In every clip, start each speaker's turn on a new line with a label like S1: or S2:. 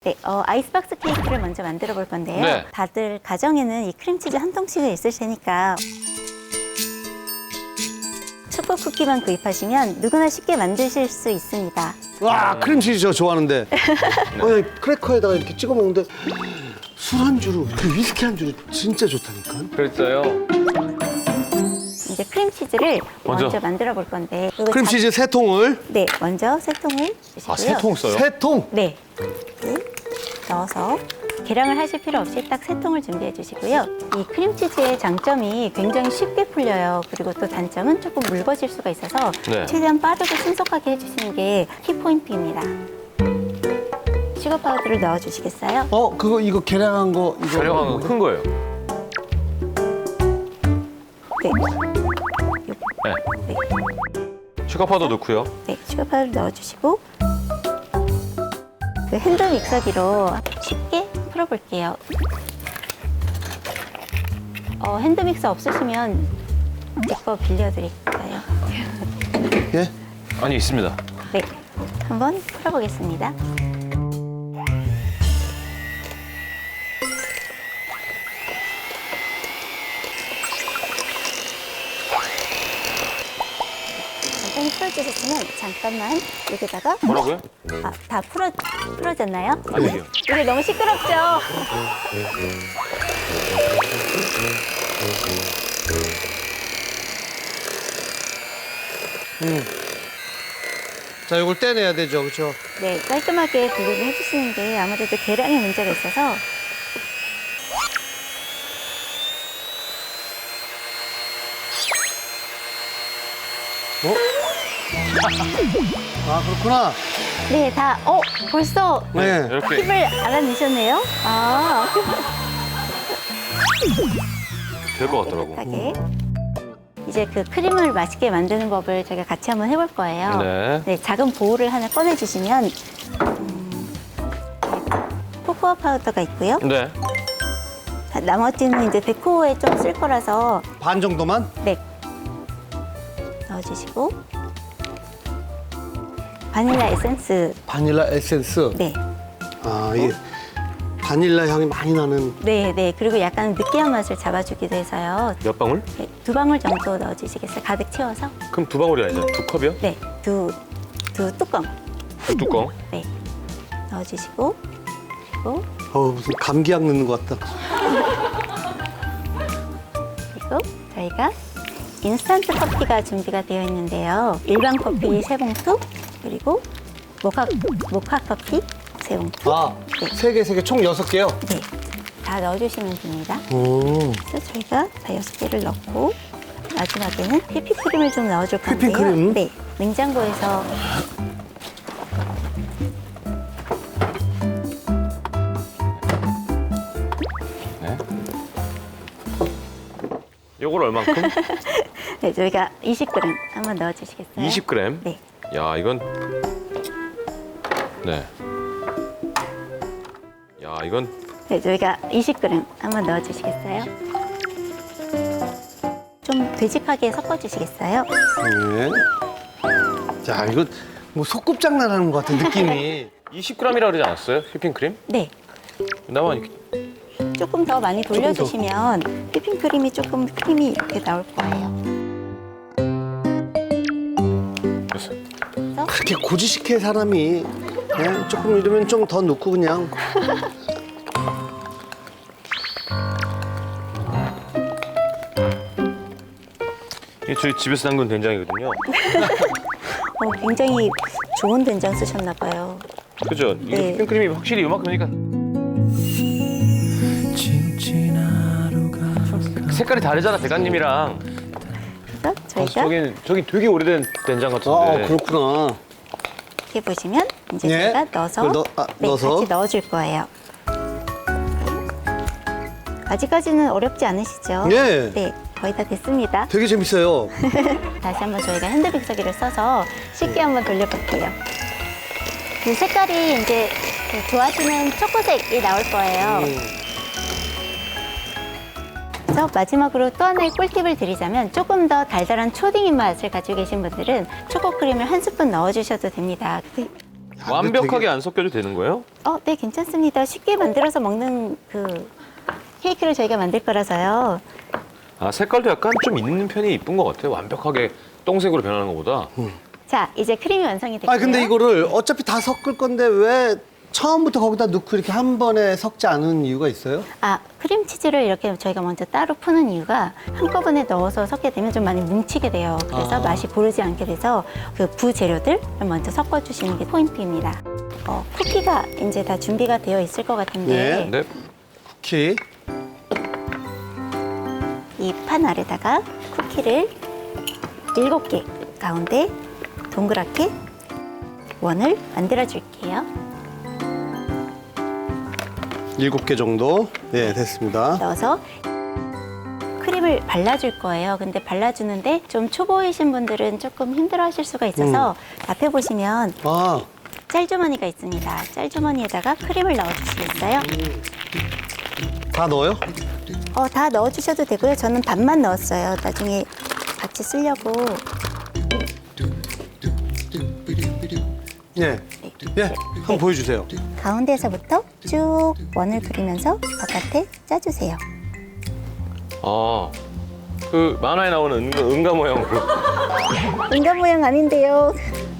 S1: 네, 아이스박스 케이크를 먼저 만들어 볼 건데요.
S2: 네.
S1: 다들 가정에는 이 크림치즈 한 통씩은 있을 테니까 초코 쿠키만 구입하시면 누구나 쉽게 만드실 수 있습니다.
S3: 와, 크림치즈 저 좋아하는데. 크래커에다가 이렇게 찍어 먹는데 술 한 주로, 그 위스키 한 주로 진짜 좋다니까.
S2: 그랬어요.
S1: 이제 크림치즈를
S2: 먼저.
S1: 먼저 만들어 볼 건데
S3: 크림치즈 세 통을.
S1: 네, 먼저 세 통을 주시고요.
S2: 아, 세 통 써요?
S3: 세 통?
S1: 네, 이렇게 넣어서 계량을 하실 필요 없이 딱 세 통을 준비해 주시고요. 이 크림치즈의 장점이 굉장히 쉽게 풀려요. 그리고 또 단점은 조금 묽어질 수가 있어서
S2: 네.
S1: 최대한 빠르고 신속하게 해주시는 게 키포인트입니다. 슈거 파우더를 넣어주시겠어요?
S3: 이거 계량한 거. 이거
S2: 촬영한 거 큰 거예요.
S1: 네.
S2: 네.
S1: 네.
S2: 슈가 파우더 넣고요.
S1: 네, 슈거 파우더를 넣어주시고 그 핸드 믹서기로 쉽게 풀어볼게요. 핸드 믹서 없으시면 제 거 빌려드릴까요?
S3: 예?
S2: 아니, 있습니다.
S1: 네, 한번 풀어보겠습니다. 간단히 풀어주셨으면 잠깐만 여기다가
S2: 뭐라고요?
S1: 다 풀어졌나요?
S2: 아니요.
S1: 이게 너무 시끄럽죠?
S3: 자, 이걸 떼내야 되죠, 그렇죠?
S1: 네, 깔끔하게 분리를 해주시는 게 아무래도 계량에 문제가 있어서
S3: 아, 그렇구나.
S1: 네, 벌써
S3: 네.
S2: 이렇게.
S1: 팁을 알아내셨네요?
S2: 될 것 같더라고.
S1: 깨끗하게. 이제 그 크림을 맛있게 만드는 법을 저희가 같이 한번 해볼 거예요.
S2: 네.
S1: 작은 보울을 하나 꺼내주시면 코코아 파우더가 있고요.
S2: 네.
S1: 나머지는 이제 데코에 좀 쓸 거라서
S3: 반 정도만?
S1: 네, 넣어주시고 바닐라 에센스.
S3: 바닐라 에센스.
S1: 네,
S3: 아, 이게 바닐라 향이 많이 나는.
S1: 네. 그리고 약간 느끼한 맛을 잡아주기도 해서요.
S2: 몇 방울?
S1: 네, 2방울 정도 넣어주시겠어요? 가득 채워서.
S2: 그럼 2방울이 아니죠? 2컵이요?
S1: 네, 두 뚜껑.
S2: 뚜껑.
S1: 네, 넣어주시고 그리고
S3: 무슨 감기약 넣는 것 같다.
S1: 저희가 인스턴트 커피가 준비가 되어 있는데요. 일반 커피 3봉투 그리고 모카 커피 3봉투.
S3: 아,
S1: 네.
S3: 세 개, 총 6개요?
S1: 네, 다 넣어주시면 됩니다.
S3: 오.
S1: 그래서 저희가 다 6개를 넣고 마지막에는 휘핑크림을 좀 넣어줄 건데요.
S3: 휘핑크림?
S1: 네, 냉장고에서
S2: 네. 요걸 얼만큼?
S1: 네, 저희가 20g 한번 넣어주시겠어요?
S2: 20g.
S1: 네,
S2: 야, 이건. 네. 야, 이건.
S1: 네, 저희가 20g 한번 넣어주시겠어요? 좀 되직하게 섞어주시겠어요?
S3: 네. 자, 이거 뭐 소꿉장난 하는 것 같은 느낌이.
S2: 20g이라 그러지 않았어요? 휘핑크림?
S1: 네,
S2: 나만 이렇게.
S1: 조금 더 많이 돌려주시면 휘핑크림이 조금 크림이 이렇게 나올 거예요.
S2: 됐어요.
S3: 그렇게 고지식해 사람이. 그냥 조금 이러면 좀 더 넣고 그냥.
S2: 이게 저희 집에서 담근 된장이거든요.
S1: 굉장히 좋은 된장 쓰셨나 봐요.
S2: 그죠? 이게
S1: 네.
S2: 휘핑크림이 확실히 이만큼이니까. 색깔이 다르잖아, 대감님이랑.
S1: 그래서 저희가
S2: 저긴 되게 오래된 된장 같은데.
S3: 그렇구나.
S1: 이렇게 보시면 이제
S3: 네.
S1: 제가 넣어서,
S3: 그걸 넣어서.
S1: 같이 넣어줄 거예요. 아직까지는 어렵지 않으시죠?
S3: 네.
S1: 네, 거의 다 됐습니다.
S3: 되게 재밌어요.
S1: 다시 한번 저희가 핸드 믹서기를 써서 쉽게 한번 돌려볼게요. 그 색깔이 이제 그 좋아하시는 초코색이 나올 거예요. 그래서 마지막으로 또 하나의 꿀팁을 드리자면 조금 더 달달한 초딩 입맛을 가지고 계신 분들은 초코크림을 한 스푼 넣어주셔도 됩니다.
S2: 완벽하게 안 섞여도 되는 거예요?
S1: 네, 괜찮습니다. 쉽게 만들어서 먹는 그 케이크를 저희가 만들 거라서요.
S2: 아, 색깔도 약간 좀 있는 편이 이쁜 것 같아요. 완벽하게 똥색으로 변하는 것보다.
S1: 자, 이제 크림이 완성이 됐고요.
S3: 아 근데 이거를 어차피 다 섞을 건데 왜 처음부터 거기다 넣고 이렇게 한 번에 섞지 않은 이유가 있어요?
S1: 크림치즈를 이렇게 저희가 먼저 따로 푸는 이유가 한꺼번에 넣어서 섞게 되면 좀 많이 뭉치게 돼요. 그래서 맛이 고르지 않게 돼서 그 부재료들을 먼저 섞어주시는 게 포인트입니다. 쿠키가 이제 다 준비가 되어 있을 것 같은데
S2: 네.
S3: 쿠키.
S1: 이 판 아래다가 쿠키를 7개 가운데 동그랗게 원을 만들어 줄게요.
S3: 7개 정도. 네, 됐습니다.
S1: 넣어서 크림을 발라줄 거예요. 근데 발라주는데 좀 초보이신 분들은 조금 힘들어 하실 수가 있어서 앞에 보시면
S3: 아,
S1: 짤주머니가 있습니다. 짤주머니에다가 크림을 넣어주시겠어요?
S3: 다 넣어요?
S1: 다 넣어주셔도 되고요. 저는 반만 넣었어요. 나중에 같이 쓰려고.
S3: 예. 예, 한번 보여주세요.
S1: 가운데에서부터 쭉 원을 그리면서 바깥에 짜주세요.
S2: 아, 그 만화에 나오는 은가 모양으로.
S1: 인간 모양 아닌데요.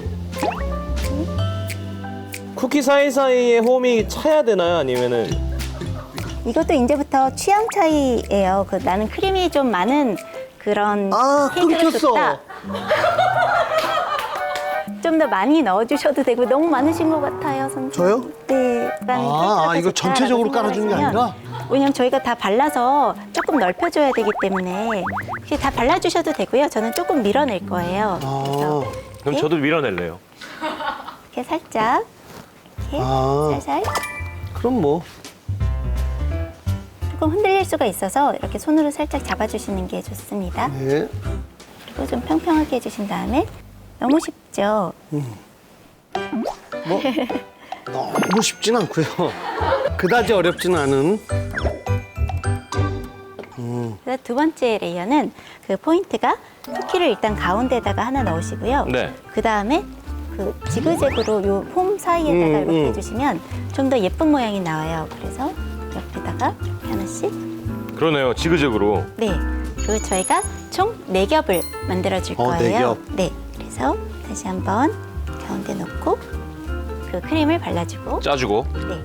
S4: 쿠키 사이사이에 홈이 차야 되나요? 아니면은
S1: 이것도 이제부터 취향 차이예요. 나는 크림이 좀 많은 그런 케이크가
S3: 끊겼어.
S1: 좋다. 좀 더 많이 넣어주셔도 되고 너무 많으신 것 같아요, 선생님.
S3: 저요?
S1: 네.
S3: 이거 전체적으로 깔아주는 게 아니라?
S1: 왜냐면 저희가 다 발라서 조금 넓혀줘야 되기 때문에 혹시 다 발라주셔도 되고요. 저는 조금 밀어낼 거예요. 그래서
S2: 그럼 저도 밀어낼래요.
S1: 이렇게 살짝 이렇게
S3: 아.
S1: 살살
S3: 그럼 뭐.
S1: 조금 흔들릴 수가 있어서 이렇게 손으로 살짝 잡아주시는 게 좋습니다.
S3: 네.
S1: 그리고 좀 평평하게 해주신 다음에 너무 쉽죠?
S3: 뭐 너무 쉽진 않고요. 그다지 어렵지는 않은.
S1: 그래서 두 번째 레이어는 그 포인트가 쿠키를 일단 가운데다가 하나 넣으시고요.
S2: 네.
S1: 그 다음에 그 지그재그로 요 폼 사이에다가 이렇게 해주시면 좀 더 예쁜 모양이 나와요. 그래서 옆에다가 이렇게 하나씩.
S2: 그러네요. 지그재그로.
S1: 네. 그리고 저희가 총 4겹을 만들어 줄 거예요.
S3: 4겹.
S1: 네. 그래서 다시 한번 가운데 놓고 그 크림을 발라주고.
S2: 짜주고.
S1: 네.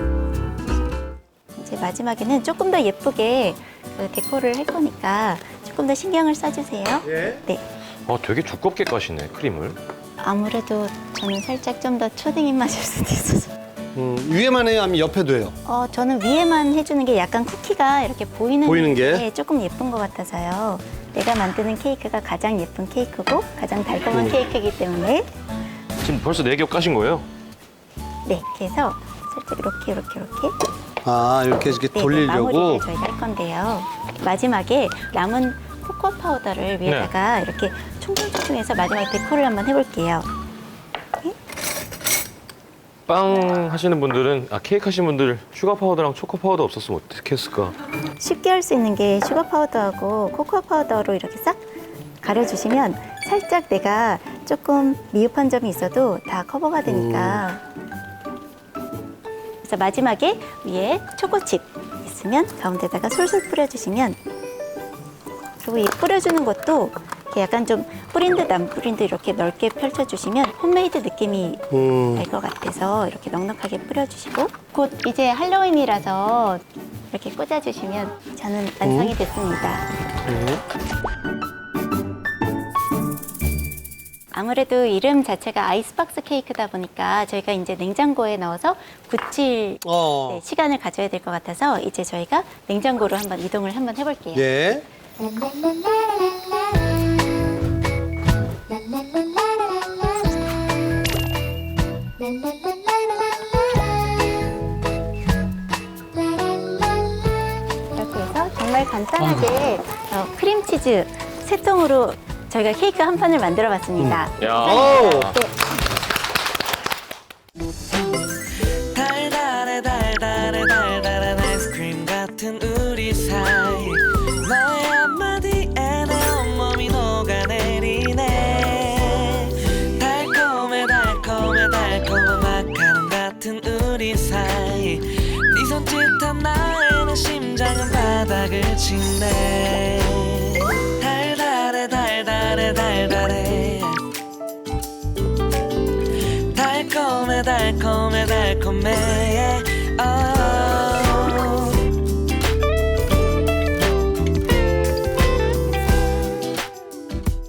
S1: 이제 마지막에는 조금 더 예쁘게 그 데코를 할 거니까 조금 더 신경을 써주세요.
S3: 예.
S1: 네.
S2: 되게 두껍게 까시네, 크림을.
S1: 아무래도 저는 살짝 좀 더 초딩 입맛일 수도 있어서.
S3: 위에만 해요? 아니면 옆에도 해요?
S1: 저는 위에만 해주는 게 약간 쿠키가 이렇게 보이는
S3: 게?
S1: 조금 예쁜 것 같아서요. 내가 만드는 케이크가 가장 예쁜 케이크고 가장 달콤한 케이크이기 때문에
S2: 지금 벌써 4겹 까신 거예요?
S1: 네, 이렇게 해서 살짝 이렇게
S3: 이렇게
S1: 네,
S3: 돌리려고.
S1: 마무리를 저희가 할 건데요. 마지막에 남은 코코아 파우더를 위에다가 이렇게 총총총해서 마지막에 데코를 한번 해볼게요.
S2: 빵 하시는 분들은, 케이크 하시는 분들 슈가 파우더랑 초코 파우더 없었으면 어떻게 했을까?
S1: 쉽게 할 수 있는 게 슈가 파우더하고 코코아 파우더로 이렇게 싹 가려주시면 살짝 내가 조금 미흡한 점이 있어도 다 커버가 되니까. 그래서 마지막에 위에 초코칩 있으면 가운데다가 솔솔 뿌려주시면, 그리고 이 뿌려주는 것도 이렇게 약간 좀 뿌린 듯 안 뿌린 듯 이렇게 넓게 펼쳐주시면 홈메이드 느낌이 날 것 같아서 이렇게 넉넉하게 뿌려주시고, 곧 이제 할로윈이라서 이렇게 꽂아주시면 저는 완성이 됐습니다. 아무래도 이름 자체가 아이스박스 케이크다 보니까 저희가 이제 냉장고에 넣어서 굳힐 네, 시간을 가져야 될 것 같아서 이제 저희가 냉장고로 한번 이동을 한번 해볼게요.
S3: 예.
S1: 이렇게 해서 정말 간단하게 크림치즈 3통으로 저희가 케이크 한 판을 만들어 봤습니다.
S2: 야.
S4: 달달해 달달해 달달한 아이스크림 같은 우리 사이 너의 한마디에 내 온몸이 녹아내리네 달콤해 달콤해 달콤한
S5: 달달해지네 달달해 달달해 달달해 달콤해 달콤해 달콤해